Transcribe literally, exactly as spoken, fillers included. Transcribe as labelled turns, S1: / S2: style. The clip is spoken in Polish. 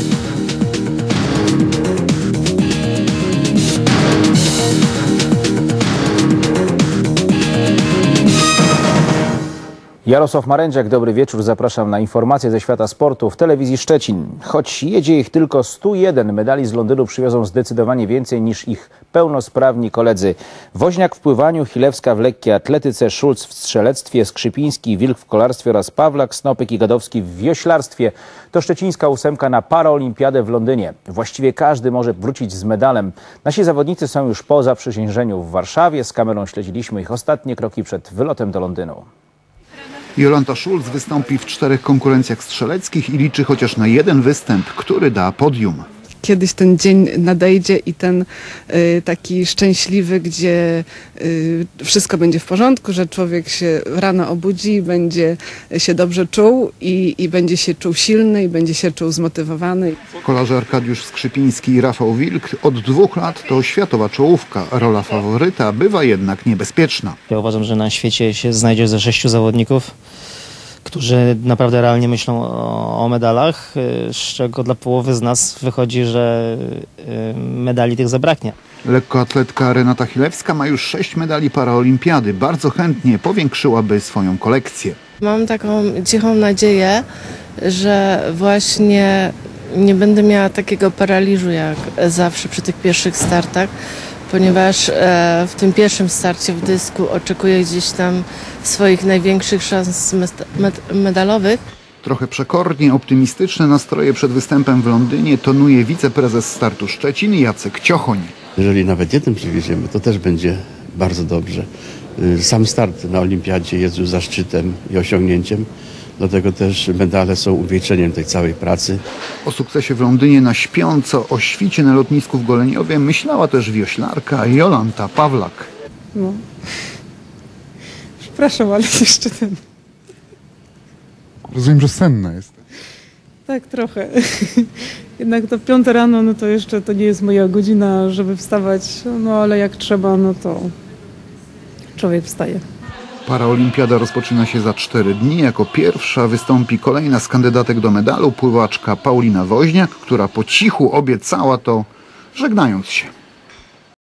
S1: Jarosław Marędziak, dobry wieczór. Zapraszam na informacje ze świata sportu w telewizji Szczecin. Choć jedzie ich tylko sto jeden, medali z Londynu przywiozą zdecydowanie więcej niż ich pełnosprawni koledzy. Woźniak w pływaniu, Chilewska w lekkiej atletyce, Szulc w strzelectwie, Skrzypiński, Wilk w kolarstwie oraz Pawlak, Snopek i Gadowski w wioślarstwie. To szczecińska ósemka na paraolimpiadę w Londynie. Właściwie każdy może wrócić z medalem. Nasi zawodnicy są już po zaprzysiężeniu w Warszawie. Z kamerą śledziliśmy ich ostatnie kroki przed wylotem do Londynu.
S2: Jolanta Szulc wystąpi w czterech konkurencjach strzeleckich i liczy chociaż na jeden występ, który da podium.
S3: Kiedyś ten dzień nadejdzie i ten y, taki szczęśliwy, gdzie y, wszystko będzie w porządku, że człowiek się rano obudzi, będzie się dobrze czuł i, i będzie się czuł silny i będzie się czuł zmotywowany.
S2: Kolarze Arkadiusz Skrzypiński i Rafał Wilk od dwóch lat to światowa czołówka. Rola faworyta bywa jednak niebezpieczna.
S4: Ja uważam, że na świecie się znajdzie ze sześciu zawodników, którzy naprawdę realnie myślą o, o medalach, z czego dla połowy z nas wychodzi, że medali tych zabraknie.
S2: Lekkoatletka Renata Chilewska ma już sześć medali paraolimpiady. Bardzo chętnie powiększyłaby swoją kolekcję.
S5: Mam taką cichą nadzieję, że właśnie nie będę miała takiego paraliżu jak zawsze przy tych pierwszych startach, ponieważ w tym pierwszym starcie w dysku oczekuję gdzieś tam swoich największych szans medalowych.
S2: Trochę przekornie optymistyczne nastroje przed występem w Londynie tonuje wiceprezes startu Szczecin Jacek Ciochoń.
S6: Jeżeli nawet jeden przywieziemy, to też będzie bardzo dobrze. Sam start na olimpiadzie jest już zaszczytem i osiągnięciem. Dlatego też medale są uwieczeniem tej całej pracy.
S2: O sukcesie w Londynie na śpiąco, o świcie na lotnisku w Goleniowie myślała też wioślarka Jolanta Pawlak.
S3: No. Przepraszam, ale jeszcze ten...
S7: Rozumiem, że senna jest.
S3: Tak, trochę. Jednak to piąte rano, no to jeszcze to nie jest moja godzina, żeby wstawać. No ale jak trzeba, no to człowiek wstaje.
S2: Paraolimpiada rozpoczyna się za cztery dni. Jako pierwsza wystąpi kolejna z kandydatek do medalu, pływaczka Paulina Woźniak, która po cichu obiecała to, żegnając się.